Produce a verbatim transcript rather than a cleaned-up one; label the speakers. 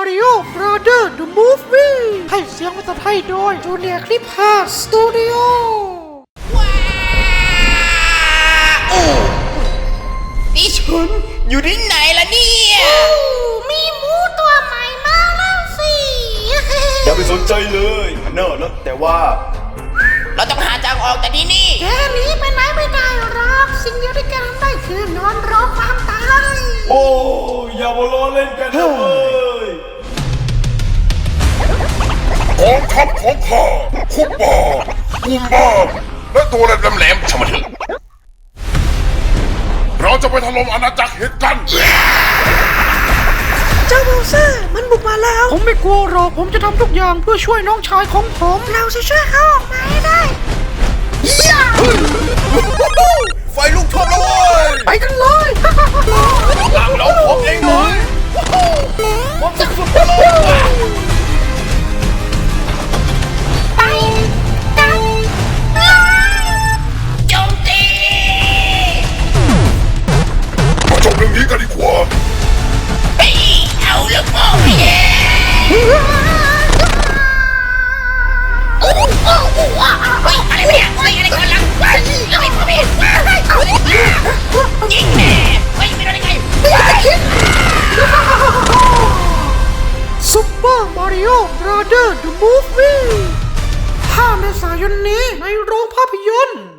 Speaker 1: Mario Brothers The Movie ให้เสียงภาษาไทยโดยจูเนียร์คลิปฮาสตูดิโอ
Speaker 2: ว้าโอ้นี่ฉันอยู่ที่ไหนล่ะเนี่ย
Speaker 3: มีหมูตัวใหม่มาแล้วสิ
Speaker 4: อย่าไปสนใจเลยเนอะนะแต่ว่า
Speaker 2: เราต้องหาทางออกจากที่นี่
Speaker 3: แกหนีไปไหนไม่ได้หรอกสิ่งเดียวที่แกทำได้คือนอนรอความตาย
Speaker 4: โอ้อย่ามาล้อเล่นกันนะเว้ย
Speaker 5: กองทัพของข้าคุปบากุมบาและตัวแหลมๆชะมัดเถอะเราจะไปถล่มอาณาจักรเห็ดกัน
Speaker 1: เจ้าโมเซ่มันบุกมาแล้วผมไม่กลัวหรอกผมจะทำทุกอย่างเพื่อช่วยน้องชายของผม
Speaker 3: เราจะช่วยเขาออกมาให้ได้
Speaker 4: ไฟลุกท่วมแล้วเว้ย
Speaker 1: ไปกันเลย
Speaker 4: หลังเราผมเองเลยผมจะฝึกเลย
Speaker 3: ไปกัน
Speaker 2: โจมตี
Speaker 5: มาจบเรื่องนี้กันดีกว่า
Speaker 2: เฮ้ยเอาลูกโป่งไปเลยโอ้โหโอ้โหเฮ้ยอะไรเนี่ยเฮ้ยอะไรกันล่ะเฮ้ยอะไรพ่อแม่ยิงแม่เฮ้ยไม่รู้ได้ไง
Speaker 1: ซุปเปอร์มาริโอ Brothers The Movie ห้าเมษายนนี้ในโรงภาพยนตร์